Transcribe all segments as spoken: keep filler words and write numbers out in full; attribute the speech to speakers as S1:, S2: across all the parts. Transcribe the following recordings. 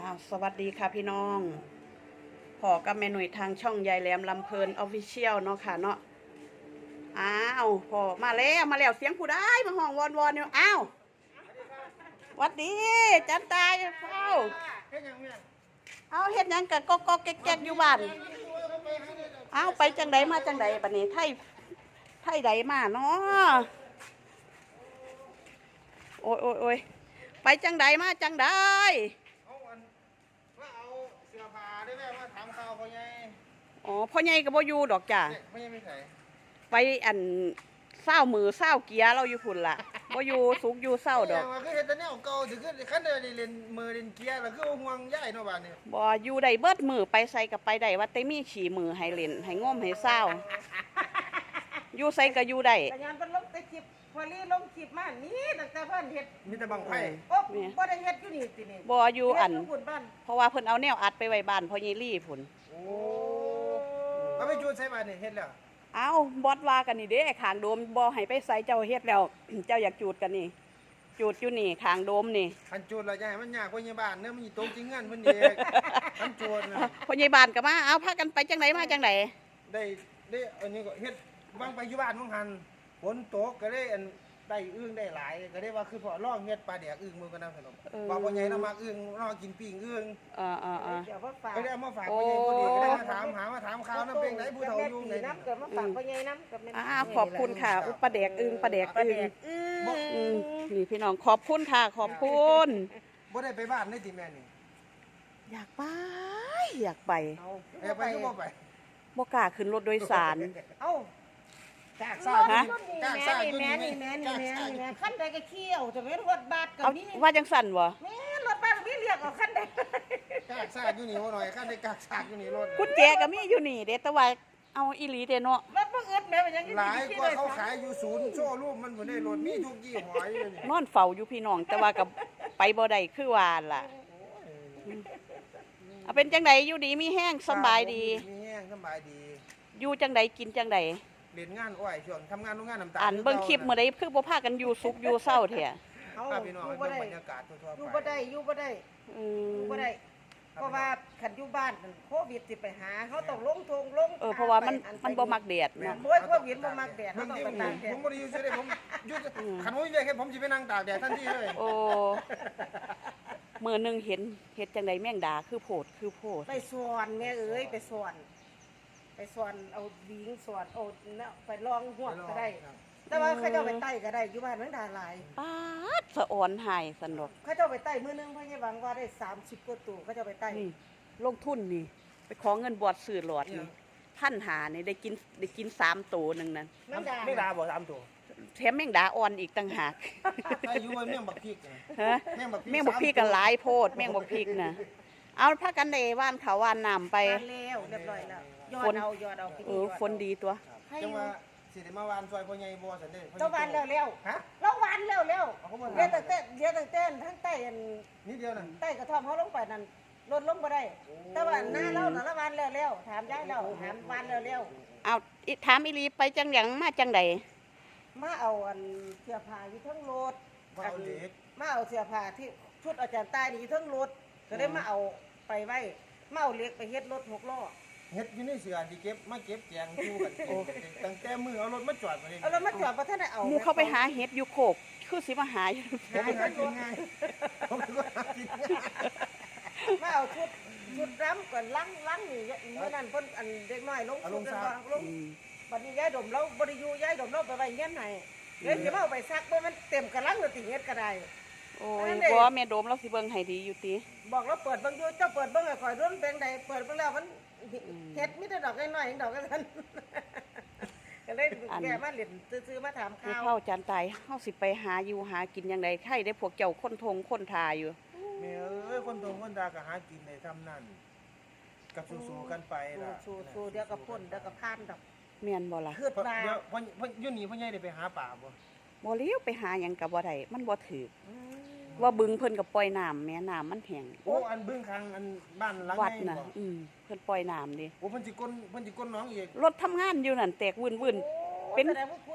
S1: อ้าวสวัสดีค่ะพี่น้องพอกับแม่หนุ่ยทางช่องยายแหลมลำเพลินออฟฟิเชียลเนาะค่ะเนาะอ้าวพอมาแล้วมาแล้วเสียงผู้ได้มาห้องวอนวอนเนี่ยอ้าววัดดีจันตายเฝ้าเอาเฮ็ดยังกับก็ก็แก๊กๆอยู่บ้านอ้าวไปจังใดมาจังใดบัดนี้ไทยไทยใดมาเนาะโอ้ยโอ้ยโอ้ยไปจังใดมาจังใดอ๋อพ่อใหญ่ก็บ่อยู่ดอกจ้ะไปอันเศร้ามือเศร้าเกียร์เราอยู่พุ่นล่ะบ่อยู่สุกอยู่เศร้าดอก
S2: คือเฮ็ดแต่แนวเก่าสิคือคันได้เล่นมือเล่นเกียร์แล้วคือห่วงย้ายเนาะบาดนี้
S1: บ่อยู่ได้เบิดมือไปใส่กับไปได้ว่าแต่มีขี่มือให้เล่นให้งมให้เศร้าอยู่ใส่ก็อยู่ได้
S3: แต่ยามเพิ่นลงแต่คลิปพอลี่ลงคลิปมานี่ตั้งแต่เพิ่นเฮ็ด
S2: มีแต่บังไผ
S3: โอ้บ่ได้เฮ็ดอยู่นี่ตินี่
S1: บ่อยู่อันเพราะว่าเพิ่นเอาแนวอัดไปไว้บ้านพ่อใหญ่ลี่พุ่น
S2: โอ้เอาไปจูดใส่บาดนี่เฮ็ดแล้ว
S1: เอาบอสว่ากันนี่เด้ขางโดมบ่ให้ไปใส่เจ้าเฮ็ดแล้ว เจ้าอยากจูดกันนี่จูดอยู่นี่ขางโดมนี่
S2: คันจูดแล้วอย่าให้มันยากกว่าในบ้านเด้อมันสิตกจริงเงินเพิ่นเด้คันจูดน่ะ
S1: พ่อใหญ่บ้านก็มาเอาพากันไปจังไดมาจังได
S2: ได้ได้อันนี้ก็เฮ็ดวางไปอยู่บ้านของหันฝนตกก็ได้อันได้อึ้งได้หลายก็ได้ว่าคือพอลองเฮ็ดปลาแดกอึ้งมื้อกันนำขนมว่าพ่อใหญ่เรามักอึ้งรอกินปิ้งอึ้ง
S1: เออๆๆ
S3: เดี๋ยวมาฝาก
S2: ก็ได้มาฝากพ่อใหญ่พอดีก็ได้มาถามหามาถามข่าวนำเพลงไหนผู้เฒ่าอยู่ไหน
S3: น้ำเกิดมาฝากพ่อใหญ่น้ำกับแม่
S1: อ่าขอบคุณค่ะอุปลาแดกอึ้งปลาแดกอึ้งอืมนี่พี่น้องขอบคุณค่ะขอบคุณ
S2: บ่ได้ไปบ้านได้ติแม่นี่
S1: อยากไปอยากไป
S2: เอาแอบไปก็บ่ไป
S1: บ่กล้าขึ้นรถโดยสาร
S3: เอ้า
S2: จากซ่าฮะจากซ่าอยู่นี่
S3: แม่นี่แม่นี่แม่นี่แม่คันใดก็เขี้ยวจะเป็นรถบัสก็มี
S1: ว่าจังสั่นบ่
S3: แม่รถบัสมีเรียกเอาคันใด
S2: จากซ่าอยู่นี่บ่หน่อยคันได้กากซ่าอยู่นี่รถ
S1: กุญแจก็มีอยู่นี่เด้แต่ว่าเอาอีหลีเด้เนาะ
S3: รถบ่อึดแม่เป็นยัง
S2: หลายกว่าเขาขายอยู่ศูนย์โชว์รูปมันบ่ได้รถมีทุกยี่ห้ออยู่นี่
S1: นอนเฝ้าอยู่พี่น้องแต่ว่าก็ไปบ่ได้คือว่าล่ะเอาเป็นจังไดอยู่ดีมีแห้งสบายดี
S2: มีแห้งสบายดี
S1: อยู่จังไดกินจังได
S2: เรียนงานอ้อยช่วงทำงานโรงงานน้ำตาล
S1: อันเบิ่งคลิปมื้อใดคือบ่พากันอยู่สุขอยู่เศร้าแท้
S2: เฮาพี่น้องเบิ่งบรรยากาศทั่วๆไป
S3: อยู่บ่ได้อยู่บ่ได้
S1: อื
S3: อบ่ได้เพราะว่าคันอยู่บ้านโควิดสิไปหาเฮาต้องลงทงลง
S1: เออเพราะว่ามันมันบ่มักแดด
S3: เนาะโควิดบ่มักแดดเฮาต้องไปตากแดด
S2: ผมบ่ได้อยู่ซื่อเด้ผมอยู่คันบ่มีเวียกเฮ็ดผมสิไปนั่งตากแดดทันทีเลย
S1: โอ้มื้อนึงเห็นเฮ็ดจังไดแม่งดาคือโพดคือโพด
S3: ไปสวนแม่เอ้ยไปสวนไปสวนเอาบิงสวนเอาเนาะไปลองหวกก็ได้แต่ว่าเขาเจ้าไปไต่ก็ได้อยู่บ้านแม่งดาหลาย
S1: ป๊าดสะอ่อนหายสนุก
S3: เขาเจ้าไปไต่มื้อนึงเพิ่นสิหวังว่าได้สามสิบกว่าตัวเขาเจ้าไปไต่
S1: นี่ลงทุนนี่ไปขอเงินบวชซื้อหลอดนี่พันหานี่ได้กินได้กินสามตัวนึงนั่น
S2: แม่งดาแม่งดาบ่สามตัว
S1: แถมแมงดาอ่อนอีกต่างหาก
S2: ใส่อยู่ว่าแม่งบักพริก
S1: ฮะแมงบักพริกกันหลายโพดแมงบักพริกน่ะเอาพากันได้ว่านเขาว่านน้ำไป
S3: แล้วเรียบร้อยแล้วยอดเอายอดเอา
S1: เออฝนดีตัว
S2: จังว่าสิได้มาวานซอยพ่อใหญ่บ่ซั่นเด้
S3: เจ้าวานแล้วๆฮะเราวานแล้วๆเดี๋ยวตั้งแต่เดี๋ยวตั้งแต่ทั้งใต้อัน
S2: นิดเดียวนั่น
S3: ใต้กระท่อมเฮาลงไปนั่นลดลงบ่ได้แต่ว่าหน้าเราน่ะละวานแล้วๆถามยายแล้วถามวานแล้ว
S1: ๆเอาถามอีหลีไปจังหยังมาจังได
S3: มาเอาอันเสื้อผ้าอยู่ทั้งรถ
S2: มาเอาเด็ก
S3: มาเอาเสื้อผ้าที่ชุดอาจารย์ใต้นี่อยู่ทั้งรถก็ได้มาเอาไปไว้มาเอาเหล็กไปเฮ็ดรถหกล้อ
S2: เฮ็ดอยู่ในเสือที่เก็บมาเก็บแจงอยู่กันตั้งแต่มือเอารถมาจอดบ่ได้
S3: เอารถมาจอดบ่ทันได้เอา
S1: หมู่เข้าไปหาเฮ็ดอยู่โคกคือสิมาหาอยู่
S2: ผมหากินง่ายผมก็หากินง่าย
S3: มาเอาชุดชุดรำก่อนล้างล้างนี่เมื่อนั้นเพิ่นอันเด็กน้อยลงชุดกันบ่ลงบัดนี้ยายดมเราบ่ได้อยู่ยายดมเราไปไว้เงี้ยนให้เดี๋ยวสิมาเอาไปซักบ่มันเต็มกะลังแล้วติเฮ็ดก็ได้
S1: โอ้ยบ่แม่ดมเราสิเบิ่งให้ดีอยู่ติ
S3: บอกเราเปิดเบิ่งอยู่เจ้าเปิดเบิ่งให้ข่อยรุ่นเป็นใดเปิดเบิ่งแล้วมันเฮ็ดมีแต่ดอกน้อยๆดอกกันซั่นก็เลยแกมาเล่นซื้อๆมาถามข่าว
S1: เฮาจานตายเฮาสิไปหาอยู่หากินจังได๋ใครได้พวกเจ้าคนทงคนทาอยู่
S2: แม่เอ้ยคนทงคนทาก็หากินได้ทำนั่นกับสู้ๆกันไปล่ะ
S3: สู้ๆเดี๋ยวก็พ้นเดี๋ยวก็ผ่านดอก
S1: แม่นบ่ล่ะ
S3: คือว่า
S2: เดี๋ยวพ่ออยู่นี่พ่อใหญ่ได้ไปหาป่าบ่
S1: บ่เลี้ยวไปหาหยังก็บ่ได้มันบ่ถูกว่าบึงเพิ่นก็ปล่อยน้ำแม่น้ำมันแห้ง
S2: โอ้อันบึงข้างอันบ้านหลัง
S1: วัดน่ะอืมเพิ่นปล่อยน้ำดิ
S2: โอ้เพิ่นสิก้นเพิ่นสิก้นน้องอีก
S1: รถทำงานอยู่นั่นแตกวื่นๆเป็น
S3: แสดงว่าคุณ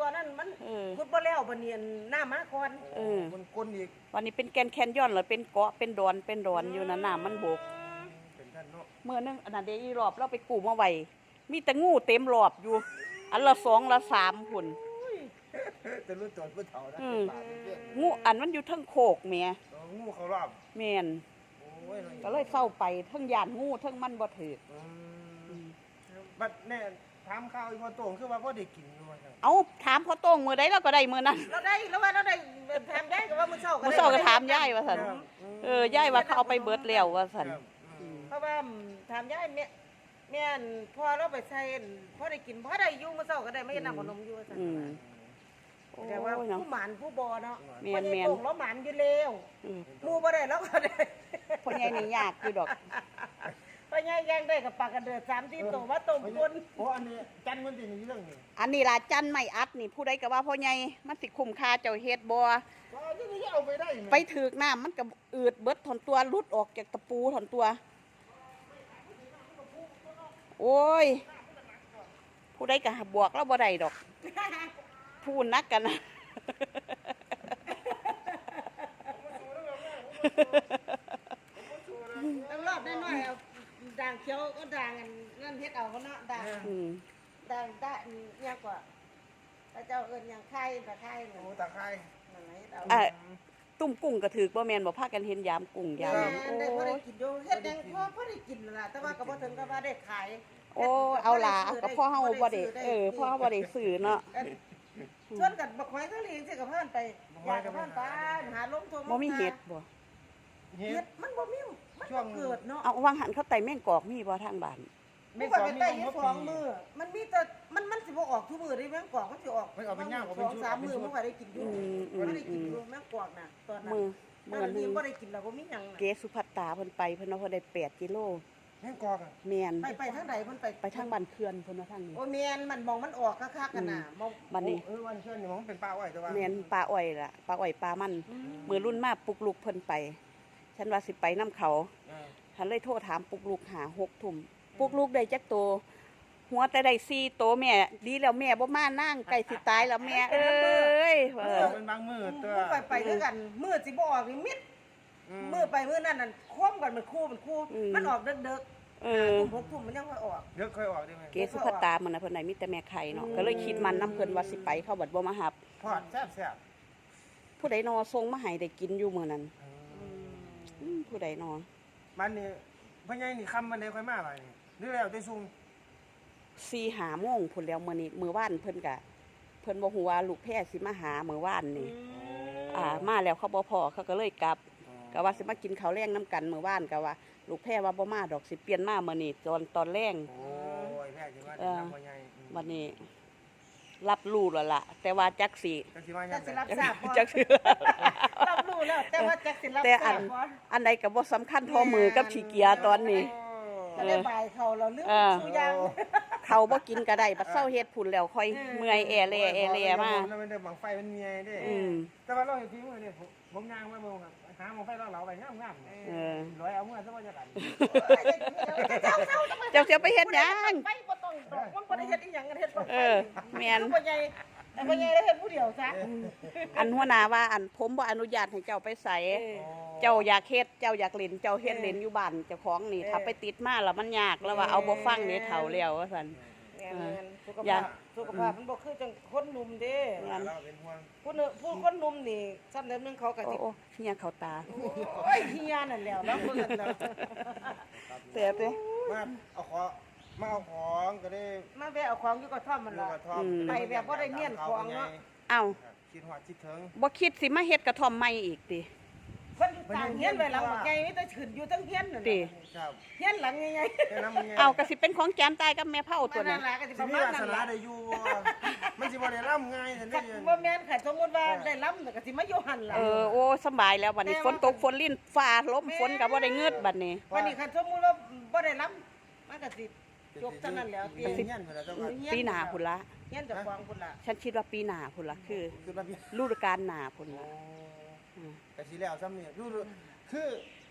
S3: ก่อนนั้นมัน
S1: เออ
S3: ขุดบ่แล้วบัดนี้น้ามาก่อน
S1: เออ
S2: มันก้นอีก
S1: วันนี้เป็นแกนแคนยอนเหรอเป็นเกาะเป็นดอนเป็นดอนอยู่นะน้ำมันบก
S2: เป็นท่านเนาะ
S1: เมื่อนึงอันนั้นเดยวอีรอบเราไปกู้มาไว้มีแต่งูเต็มรอบอยู่ อันละสองละสามหุ่น
S2: จะรู้ตัวผู้เฒ่านะ
S1: อืม
S2: ปากเป็นเพื่อน
S1: งูอันมันอยู่เทั้งโคกแหม่
S2: เอองูเขารอบ
S1: แม่น
S2: โอ้ย
S1: ก็เลยเศร้าไปเทั้งยานงูเทั้งมันบ่ถือ
S2: อืมบัดแน่ถามข่าวอีพอโต่งคือว่าพ่อได้กินอยู่ว่าซั่น
S1: เอาถามพ่อโต้งมือใดเราก็ได้มือนั้น
S3: เราได้แล้วว่าเราได้แถมได้ก็ว่ามื้อเช้าก็
S1: มื้อ
S3: ได้
S1: เช้าก็ถามยายว่าซั่นเออยายว่าเขาเอาไปเบิดแล้วว่าซั่น
S2: ครับอืม
S3: เพราะว่าถามยายแม่แม่นพอเราไปใส่พอได้กินพอได้อยู่มื้อเช้าก็ได้ไม่นำขนมอยู่ว่าซั่น
S1: อืมโอ้
S3: แต่ว่า
S1: เนาะ
S3: ผู้หมานผู้บ่เนาะ
S1: แม่น
S3: บ่
S1: แม่
S3: ได้
S1: น
S3: โกงเราหมานอยู่แล้ว
S1: อืม
S3: หมู่บ่ได้เราก็ได้
S1: พ่อใหญ่นี่ยากอยู่ดอก
S3: พ่อใหญ่แย่งได้กับปลากระเดือดสามที่โตว่าต้มคน
S2: โอ้อันนี้จันมันสิมีเรื่องนี้
S1: อันนี้ล่ะจันไม่อัดนี่ผู้ใดก็ว่าพ่อใหญ่มันสิคุ้มค่าเจ้าเฮ็ดบ่
S2: ก็ที่นี่เอาไปได้หม
S1: ไปถึกน้ำมันก็อืดเบิดถอนตัวหลุดออกจากตะปูถอนตัว โอ้ย ผู้ใดก็บวกแล้วบ่ได้ดอก พูดนักกันนะ
S3: ต้องรอบน้อยๆเอาด่างเขียวก็ด่างอันนั่นเฮ็ดเอาก็เนาะด่าง
S1: อืม
S3: ด่างด่างยากกว่าพระเจ้าเอิ้นหยังไข่ตะไคร้นั่น
S2: โอ้ตาไคร้
S3: นั่นแหละเฮ็ดเอา
S1: อ่ะตุ่มกุ้งก็ถือบ่แม่นบ่พากันเห็นยามกุ้งยาม
S3: แม่
S1: นั้น
S3: นได้พอ
S1: โอ้
S3: ได้
S1: ย
S3: กินอยู่เฮ็ดยังพอพอได้กินนั่นล่ะแต่ว่าก็บ่ถึงกับว่าได้ขาย
S1: โอ้เอาล่ะก็พ่อเฮาบ่ได้เออพ่อเฮาบ่ได้ซื้อเนาะ
S3: ชวนกันบักหอยทะเลสิกับเพิ่นไปอยากกับเพิ่นไปหาลงทง
S1: บ่มีเห็ดบ่
S2: เฮ็
S3: เฮ็
S2: ด
S3: ดมันบ่มีมัน
S2: ช่ว
S3: บ่
S2: ง
S3: เกิดเนาะ
S1: เอาวางหันเขาไต่แม่งกอกมีบ่ทางบ้าน
S3: มันก็ไปไต่อยู่สองมื้อมันมีแต่มันมันสิบ่ออกทุกมื้อเด้แมงกอกมันสิออก
S2: มันเอาไปย่างเอาไป
S3: สอง
S2: ชุบ
S3: สามมื้อมันก็ได้กินอยู่
S1: อืมอืม
S3: มันได้กินอยู่แมงกอกน่ะตอนนั้น
S1: มือ
S3: มื้
S1: มื้
S3: อ
S1: อห
S3: นี้
S1: นึง
S3: บ่ได้กินแล้วบ่มีหยังน่ะ
S1: เกสุภัตตาเพิ่นไปเพิ่นว่าเพิ่นได้แปดกิโล
S2: แม่งกอกอ่ะ
S1: แม่น
S3: ไปไปทางใดเพิ่นไป
S1: ไปทางบ้านเขื่อนเพิ่นว่าทางนี้
S3: โอ้แม่นมันมองมันออกคักๆกันน่ะมอง
S1: บ้านนี้
S2: เออวันเชิญนี่มันเป็นป้าไว้แต่ว่า
S1: แม่นปลาอ้อยล่ะปลาอ้อยปลามันมือรุ่นมาปลุกลุกเพิ่นไป ฉันว่าสิไปน้ำเขา
S2: เออ
S1: ฉันเลยโทรถามปลุกลุกหาหกทุ่มปลุกลุกได้จักโตวหัวแต่ได้สี่โตวแม่ดีแล้วแม่บ่มานั่งไก่สิตายแล้วแม่เอ้ยเอ
S2: เอ
S1: อ
S2: อเป็นบางมือตัว
S3: มื้อไปไปด้วยกันมื้อสิบ่ออกนี่มิดมื้อไปมื้อนั้นน่ะคว่ำกันมันคู่มันคู่มันออกเด็ก
S1: เอ
S3: ๆ
S1: อ
S3: ทุ่มหกทุ่มมันยังค่อยออก
S2: เดี๋ยวค่อยออกได้ไหม
S1: เกสุภัตตามันน่ะเพิ่นได้มีแต่แม่ไข่เนาะก็เลยคิดมันน้ำเพิ่นว่าสิไปเขาบัดบ่มาหับ
S2: ทอดแซ่บแซ่บ
S1: ผู้ใดนอทรงมาให้ได้กินอยู่มื้อนั้นอืมผู้ใดนอ
S2: มันนี่พ่อใหญ่นี่คำมันได้ค่อยมาไปนี่หรือแล้วแต่ซุง
S1: สี่หาโมงพุ่นแล้วมื้อนี้มื้อวานเพิ่นก็เพิ่นบ่ฮู้ว่าลูกแพรสิมาหามื้อวานนี่อ่ามาแล้วเขาบ่พอเขาก็เลยกลับก็ว่าสิมากินข้าวแรงน้ำกันมื้อวานก็ว่าลูกแพรว่าบ่มาดอกสิเปลี่ยนมามื้อนี้ตอนตอนแรง
S2: โอ้ยแม่สิว่า
S1: เออ
S2: น้ำพ่อใหญ่
S1: วันนี้ รับรู้แล้วล่ะ แต่ว่าจักสิ
S2: จังสิว่า
S3: จั
S2: ยั
S3: ก
S2: ง
S3: สิ
S2: ไง
S3: รับทราบบ่
S1: จักสิ
S3: รับรู้แล้วแต่ว่าจักสิรับ
S1: แต่
S3: ท
S1: อั
S3: ราน บบ่
S1: อันใดก็บ่สำคัญเท่อมือกับขี้เกียจตอนนี้
S3: ก็ได้บ่ายเขาเราลืม
S1: เออ
S3: สุอยาง
S1: เขาบ่กินก็ได้บัดเซาเฮ็ดพุ่นแล้วค่อยเมื่อยแอแลแอแลมา
S2: แล้วมันได้บังไฟมันเมียเด้
S1: อืม
S2: แต่ว่าเราเห็นทีมือเนี่ยผมผมย่างมาเบิ่งครับหาหมองไฟเราเหลาไปงามๆเนี่ย
S1: เออ
S2: ร้อยเอาเมื่อซะว่าจะกัน
S1: เจ้าเสียไปเฮ็ดหยัง
S3: ไปบ่ต้องดอกมันบ่ได้เฮ็ดอีหยังกันเฮ็ดบ่
S1: เออแม่น
S3: บ่ใหญ่แต่บ่ใหญ่ได้เฮ็ดผู้เดียวซะ
S1: อันหัวหน้าว่าอันผมบ่อนุญาตให้เจ้าไปใส่เจ้าอยากเฮ็ดเจ้าอยากเล่นเจ้าเฮ็ดเล่นอยู่บ้านเจ้าของนี่ถ้าไปติดมาแล้วมันยากแล้วว่าเอาบ่ฟังนี่เฒ่าแล้วว่าซั่น
S3: แม่นๆสุข
S1: อย่า
S3: ภาพสุขภาพมันบ่คือจังคนหนุ่มเด้
S2: เราเป็นห่วง
S3: ผู้เนผู้คนหนุ่มนี่ซ้ำเดิมนึงเขาก็
S1: โอ้
S3: สิ
S1: โอ้เฮียเข้าตา
S3: โอ้ยเฮียนั่นแหล้วเนาะเพิ่นน่ะ
S1: แต่เด้
S2: มาเอาขอมาเอาของก็ได้
S3: มาแวะเอาของอยู่กับท่อมมัน
S2: ลูก
S3: ล่ะ
S2: กระท่อม
S3: ไปแบบบ่ได้เมียนของเนาะ
S1: เอ้า
S2: คิดหอดคิดถึง
S1: บ่คิดสิมาเฮ็ดกระท่อมใหม่อีกติ
S3: เพิ่นอยู่ต่างเฮียนไว้หลังบักใหญ่มีแต่ขึ้นอยู่ทั้งเฮียนนั่น
S1: ติ
S2: ครับ
S3: เฮียนหลังใหญ่
S2: แค่นั้นมันไง
S1: เอาก็สิเป็นของแจมตายกับแม่เฒ่า
S3: ๆ
S1: ตัว
S3: นั่
S1: นั้น น
S3: ล่ะก็สิ
S2: สิ
S3: ประ
S2: มี
S3: มาณ
S2: วา
S3: นั้
S2: ส
S3: น
S2: นา
S3: ล่ะ
S2: ได้อยู่บ่มันสิบ่ได้ร่ำง่ายแต่
S3: คั
S2: ได้
S3: นบ่แม่นค่ะสมมุติว่าได้ล้ำก็สิมาอยู่หั่นล่ะ
S1: เออโอ้สำบายแล้วบัดนี้ฝนตกฝนลิ้นฟ้าลมฝนก็บ่ได้เงืดบัดนี้
S3: วันนี้คันสมมุติว่าบ่ได้ล้ำมันก็สิจบเท่านั้นแล้ว
S2: ปี
S3: เตีย
S2: เงี้ยนเพิ่นแล้วจังว่า
S1: ปีหน้าพุ่นละ
S3: เฮียนเจะฟังพุ่นล่ะ
S1: ฉันคิดว่าปีหน้าพุ่นละคือ
S2: คือระเบียบ
S1: ฤดูกาลหน้าพุ่นละอืม
S2: กะสิแล้วซ้ำนี่ดูคือ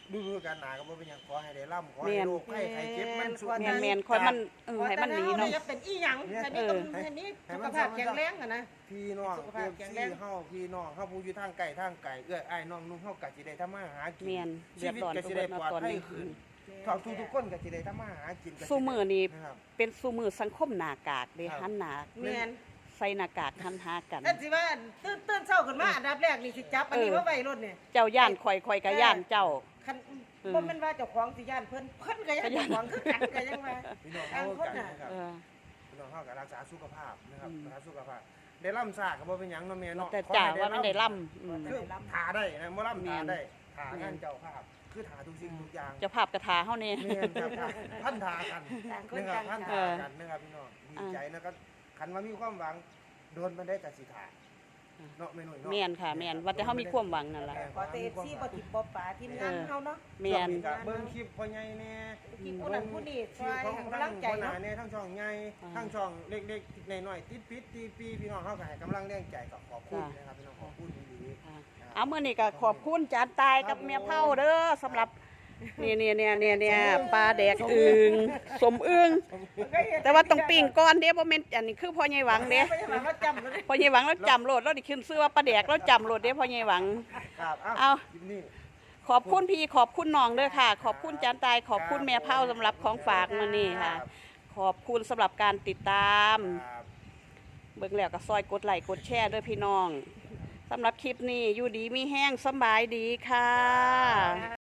S2: ดูดูกันหนาก็บ่เป็นหยังขอให้ได้ร่ำขอ
S1: แม่
S2: ให้
S1: น
S2: โรคไข้ไข้เจ็บมันสุด
S1: แม่นแม่นคอยมันเออให้มันหนีเนาะ
S3: จะเป็นอีหยังอันนี้ก็อันนี้สุขภาพแข็งแรงอะนะ
S2: พี่น้อง
S3: สุข
S2: เอ
S3: ภาพ
S2: ฟ
S3: แข็ง
S2: ซี
S3: แรง
S2: เฮาพี่น้องเฮาผู้อยู่ทางไกลทางไกลเอื้ออ้ายน้องนุ่งเฮาก็สิได้ทำมาหากิน
S1: แม่นเดื
S2: ชี
S1: อด
S2: วิต
S1: ร้อน
S2: ก็
S1: ไป
S2: สิ
S1: เบิ
S2: ได้
S1: ดเนาะ
S2: ปลอด
S1: ตอน
S2: ภัย
S1: นี้
S2: ขึ้นทุกทุกทุกคนก็สิได้ทำมาหากินก็สิ
S1: สู้มือนี่
S2: นะครับ
S1: เป็นสู้มือสังคมหน้ากากเด้
S2: ครับ
S1: หันหน้า
S3: แม่น
S1: ใส่หน้ากากหันหากัน
S3: นั่นสิว่าตื่นตื่นเช้าขึ้นมาอันดับแรกนี่สิจับอันนี้
S1: เออ
S3: ว่าไว้รถเนี่ย
S1: เจ้าย่านข่อยข่อยก็ย่านเจ้า
S3: คัน
S1: เออ
S3: บ่แม่นว่าเจ้าของสิย่านเพิ่นเพิ่นก็ย่านเจ้าของคือกันก็ยังว่า
S2: พี่น้อง
S3: ต่า
S2: เฮาง
S3: คน
S2: กัน
S3: น่ะ
S2: นะครับ
S1: เออ
S2: พี่น้องเฮาก็รักษาสุขภาพนะครับ
S1: อืม
S2: รักษาสุขภาพได้ร่ำซากก็บ่เป็นหยังเนาะแม่เนาะ
S1: แต่
S2: ขอ
S1: จ่า
S2: ให้
S1: ว่ามันได้ล่ำอืม
S2: คือทาได้นะบ่ร่ำ
S1: แม่
S2: ทาน ได้ทางานเจ้าภาพคือทาทุกสิ่งทุกอย่าง
S1: เจ้าภาพกระทาเฮานี่
S2: แม่นครับครับท่านทากัน
S3: ต่างคน
S2: นะครับ
S3: ต่าง
S2: ท่าน
S3: ทา
S2: ทากันนะครับพี่น้องดีใจนะครับคันว่ามีความหวังโดนมันได้กับสิทาเนาะแม่หนุ่ยเนาะ
S1: แม่นค่ะแม่นว่าแต่เฮามีความหวังนั่นล่ะ
S3: ขอเตฟซี่บ่ติดบ่ป่าทีมงานเฮาเนาะ
S1: แม่น
S2: ช่วงก็เบิ่งคลิปพ่อใหญ่แน่
S3: ที่ผู้นั้นผู้นี้
S2: ค
S3: ช่
S2: ลิ
S3: ว
S2: ป
S3: ย
S2: ของ
S3: ให้
S2: ทั้
S3: กำลั
S2: ง
S3: งใจ
S2: พ่อหน้า
S3: เนาะ
S2: แน่ทั้งช่องใหญ่
S1: อ่า
S2: ทั้งช่องเล็กๆในหน่อยติดปิดตีปีพี่น้องเฮาก็ให้กำลังแรงใจกับขอบคุณนะครับพี่น้องขอบคุณดีๆ
S1: ค่ะเอามื้อนี้ก็ขอบคุณจานตายกับแม่เผาเด้อสำหรับนี่เนี่ยเนี่ยเนี่ยเนี่ยปลาแดกอึ่งสมอึ่งแต่ว่าต้องปิ้งก่อนเด้บ่แม่นอันนี้คือพ่อใหญ่หวังเด้
S3: ไม่ใช่หมายว่าจำเลย
S1: พ่อใหญ่หวังแล้วจำโลดแล้วนี่ขึ้นชื่อว่าปลาแดกแล้วจำโลดเด้พ่อใหญ่หวัง
S2: ครับ
S1: เอา
S2: เอาคลิปนี้
S1: ขอบคุณพี่ขอบคุณน้องเด้อค่ะ ขอบคุณจานตายขอบคุณแม่เผาสำหรับของฝากมื้อนี้ค่ะ ขอบคุณสำหรับการติดตาม
S2: ครับ
S1: เบิ่งแล้วก็ซอยกดไลค์กดแชร์ด้วยพี่น้องสำหรับคลิปนี้อยู่ดีมีแห้งสำบายดีค่ะ